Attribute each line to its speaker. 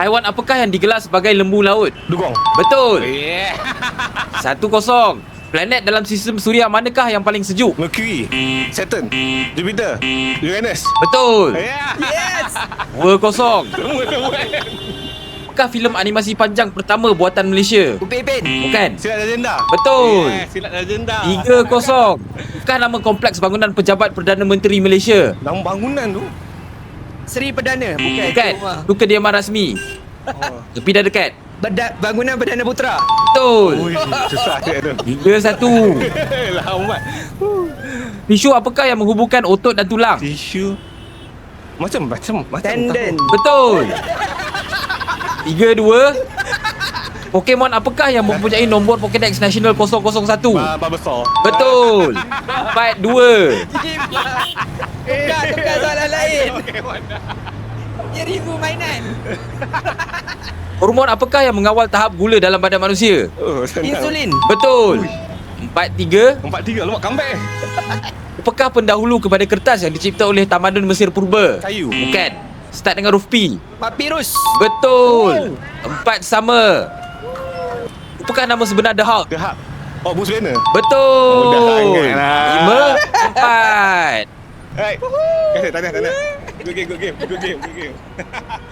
Speaker 1: Haiwan apakah yang digelar sebagai lembu laut?
Speaker 2: Dugong.
Speaker 1: Betul.
Speaker 2: Yeah.
Speaker 1: 1-0. Planet dalam sistem suria manakah yang paling sejuk?
Speaker 2: Mercury, Saturn, Jupiter, Uranus.
Speaker 1: Betul.
Speaker 2: Yeah.
Speaker 3: Yes.
Speaker 1: 2-0.
Speaker 2: Semua.
Speaker 1: Apakah filem animasi panjang pertama buatan Malaysia?
Speaker 3: Upin Ipin.
Speaker 1: Bukan.
Speaker 2: Silat Legenda.
Speaker 1: Betul.
Speaker 2: Yeah, Silat Legenda.
Speaker 1: 3-0. Apakah nama kompleks bangunan pejabat Perdana Menteri Malaysia?
Speaker 2: Nama bangunan tu.
Speaker 3: Seri Perdana.
Speaker 1: Bukan.
Speaker 3: Rumah.
Speaker 1: Itu kediaman rasmi.
Speaker 2: Oh.
Speaker 1: Tapi dah dekat.
Speaker 3: Bangunan Perdana Putra.
Speaker 1: Betul.
Speaker 2: Ui, susah dia tu.
Speaker 1: 3-1.
Speaker 2: Lambat.
Speaker 1: Tisu apakah yang menghubungkan otot dan tulang?
Speaker 2: Tisu. Macam.
Speaker 3: Tendon.
Speaker 1: Betul. 3-2. Pokemon apakah yang mempunyai nombor Pokédex Nasional 001?
Speaker 2: Besar.
Speaker 1: Betul. 4-2.
Speaker 3: Tukar soalan lain. Dia ribu mainan.
Speaker 1: Hormon apakah yang mengawal tahap gula dalam badan manusia?
Speaker 2: Oh, senang.
Speaker 3: Insulin.
Speaker 1: Betul. 4-3.
Speaker 2: 4-3 lemak comeback.
Speaker 1: Apakah pendahulu kepada kertas yang dicipta oleh tamadun Mesir purba?
Speaker 2: Kayu.
Speaker 1: Bukan. Start dengan huruf P.
Speaker 3: Papirus.
Speaker 1: Betul. 4 sama. Apakah nama sebenar The Hulk?
Speaker 2: The Hulk. Oh, Bruce Banner.
Speaker 1: Betul.
Speaker 2: Mudah sangat lah.
Speaker 1: 5-4.
Speaker 2: Alright. Tahniah. Good game.